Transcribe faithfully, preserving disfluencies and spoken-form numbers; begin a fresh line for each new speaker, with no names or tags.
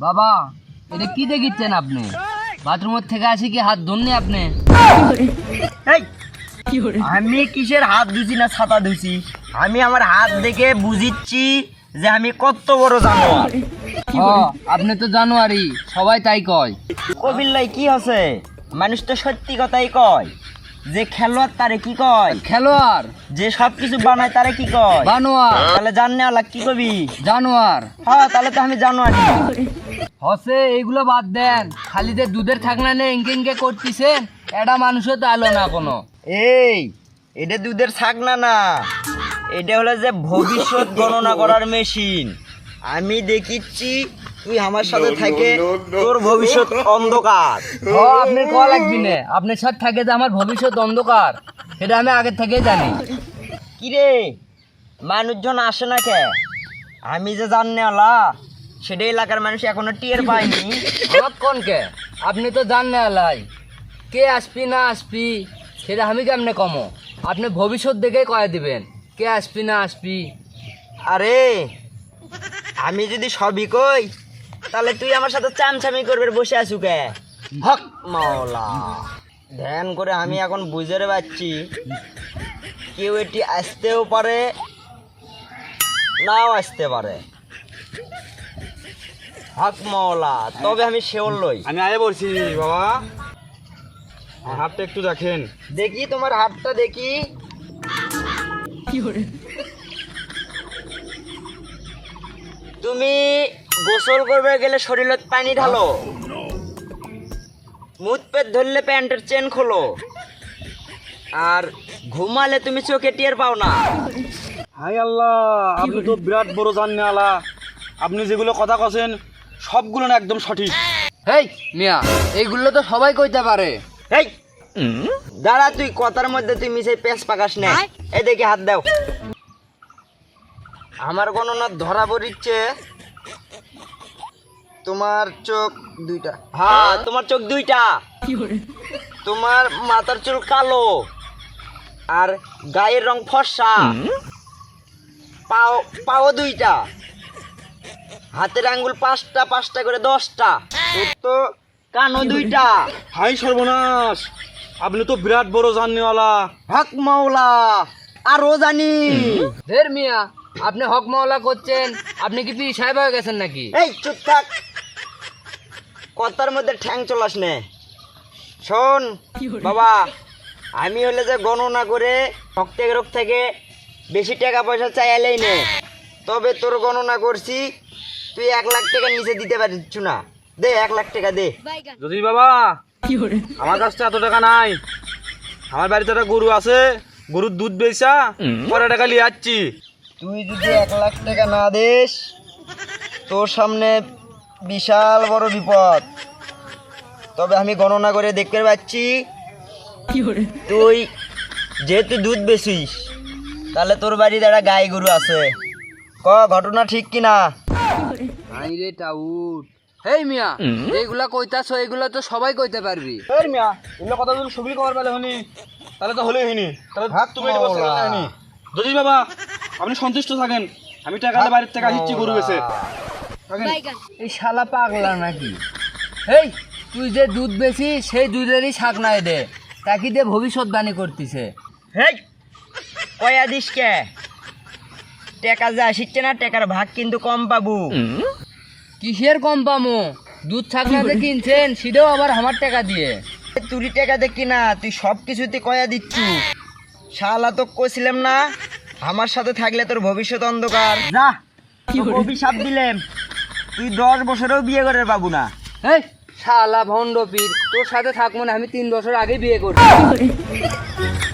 বাবা এটা কি দেখিচ্ছেন আপনি? বাথরুমের থেকে আসি কি হাত ধরনি আপনি?
এই আমি কিসের হাত ধুছি না ছাতা ধুছি? আমি আমার হাত দেখে বুঝিচ্ছি যে আমি কত বড় জানোয়ার।
ও আপনি তো জানুয়ারি, সবাই তাই কয়।
কবিল্লাই কি আছে? মানুষ তো সত্যি কথাই কয়। যে খেলোয়াড় তারে কি কয়?
খেলোয়াড়।
যে সবকিছু বানায় তারে কি কয়?
বানোয়ার।
তাহলে জাননে আলা কি কবি?
জানোয়ার।
হ্যাঁ তাহলে তো আমি জানোয়ারি।
হসে এইগুলো বাদ দেন, খালি যে দুধের থাকনা নিয়ে ইঙ্কে ইঙ্কে করতেছেন, এটা মানুষও তো আলো না কোনো।
এই এটা দুধের ছাক না না, এটা হলো যে ভবিষ্যৎ গণনা করার মেশিন। আমি দেখিচ্ছি তুই আমার সাথে থাকে তোর ভবিষ্যৎ অন্ধকার।
ও আপনি কল লাগবি না, আপনার সাথে থাকে যে আমার ভবিষ্যৎ অন্ধকার, সেটা আমি আগে থেকেই জানি।
কিরে মানুষজন আসে না কে? আমি যে জাননে আলা সেটা এলাকার মানুষ এখনো টিয়ার পায়নি।
কোন কে আপনি তো জান না লাই, কে আসবি না আসবি সেটা আমি কেমনে কমো? আপনি ভবিষ্যৎ দেখে কয়ে দিবেন কে আসবি না আসবি।
আরে আমি যদি সবই কই তাহলে তুই আমার সাথে চামচামি করবে বসে আছু কে? হক মাওলা, ধ্যান করে আমি এখন বুঝে পাচ্ছি কেউ এটি আসতেও পারে নাও আসতে পারে। হক মাওলা, তবে আমি শেওর লই।
আমি আগে বলছি বাবা, আমার হাতটা একটু দেখেন।
দেখি তোমার হাতটা দেখি। তুমি গোসল করবে গেলে শরীরে পানি ঢালো, মুখ পেট ধরলে প্যান্টের চেন খোলো, আর ঘুমালে তুমি চোখে টের পাও না।
হাই আল্লাহ, আপনি তো বিরাট বড় জানেন আলা। আপনি যেগুলো কথা কছেন সবগুলো না একদম সঠিক।
হেই মিয়া, এইগুলো তো সবাই কইতে পারে।
এই দাঁড়া, তুই কথার মধ্যে তুই মিশে পেঁচ পাকাস না। এই দেখি হাত দাও। আমার গণনা ধরা পড়িচ্ছে তোমার চোখ দুইটা। হ্যাঁ তোমার চোখ দুইটা, তোমার মাথার চুল কালো, আর গায়ের রং ফর্সা, পাও পাও দুইটা, হাতের আঙ্গুল পাঁচটা পাঁচটা করে দশটা, তোর তো কানও দুইটা।
হাই সর্বনাশ, আপনি তো বিরাট বড় জানেওয়ালা।
হক মাওলা, আরো জানি।
ধের মিয়া, আপনি হক মাওলা করছেন, আপনি কি পি সাহেব হয়ে গেছেন নাকি?
এই চুপ থাক, কথার মধ্যে ঠ্যাং চলাস নে। শোন বাবা, আমি হলে যে গণনা করে রক্তে রোগ থেকে বেশি টাকা পয়সা চাইলেই নে, তবে তোর গণনা করছি তুই এক লাখ টাকার নিচে দিতে পারছিস না। দে এক লাখ টাকা দে।
যদি বাবা আমার কাছে এত টাকা নাই, আমার বাড়িতে একটা গরু আছে, গরুর দুধ বেচা পরে টাকা নিয়ে যাচ্ছি।
তুই যদি এক লাখ টাকা না দিস তোর সামনে বিশাল বড় বিপদ। তবে আমি গণনা করে দেখতে পাচ্ছি তুই যেহেতু দুধ বেচিস তাহলে তোর বাড়িতে একটা গাই গরু আছে। ক ঘটনা ঠিক কিনা?
হাই রে টাউট। হেই মিয়া, এইগুলা কইতাছো, এইগুলা তো সবাই কইতে পারবি।
এই মিয়া, এগুলো কথা যদি সবই কবার পেলে হনি তাহলে তো হলেই হইনি। তাহলে
হাত
তুমি এটা বলতে
মাওলা।
হয়নি। যদি বাবা আপনি সন্তুষ্ট থাকেন, আমি টাকা দিয়ে বাড়ির থেকে আসছি গরু বেচে থাকেন।
এই শালা পাগলা নাকি? হেই তুই যে দুধ বেশি সেই দুধেরই শাক নাই দে, তাকে দিয়ে ভবিষ্যৎবাণী করতেছে।
হেই কয়া দিস কে? টাকা যে আসিচ্ছে না, টাকার ভাগ কিন্তু কম পাবো।
কিসের কম পামো? দুধ শাক না যে কিনছেন সেটাও আবার আমার টাকা দিয়ে।
তুই টাকা দে কিনা, তুই সব কিছুতে কয়া দিচ্ছু। শালা তো কইছিলাম না আমার সাথে থাকলে তোর ভবিষ্যৎ অন্ধকার। যা তোকে অভিশাপ দিলাম, তুই দশ বছরেও বিয়ে করে পাবো না।
হেই শালা ভণ্ড পীর, তোর সাথে থাকবো না, আমি তিন বছর আগে বিয়ে করছি।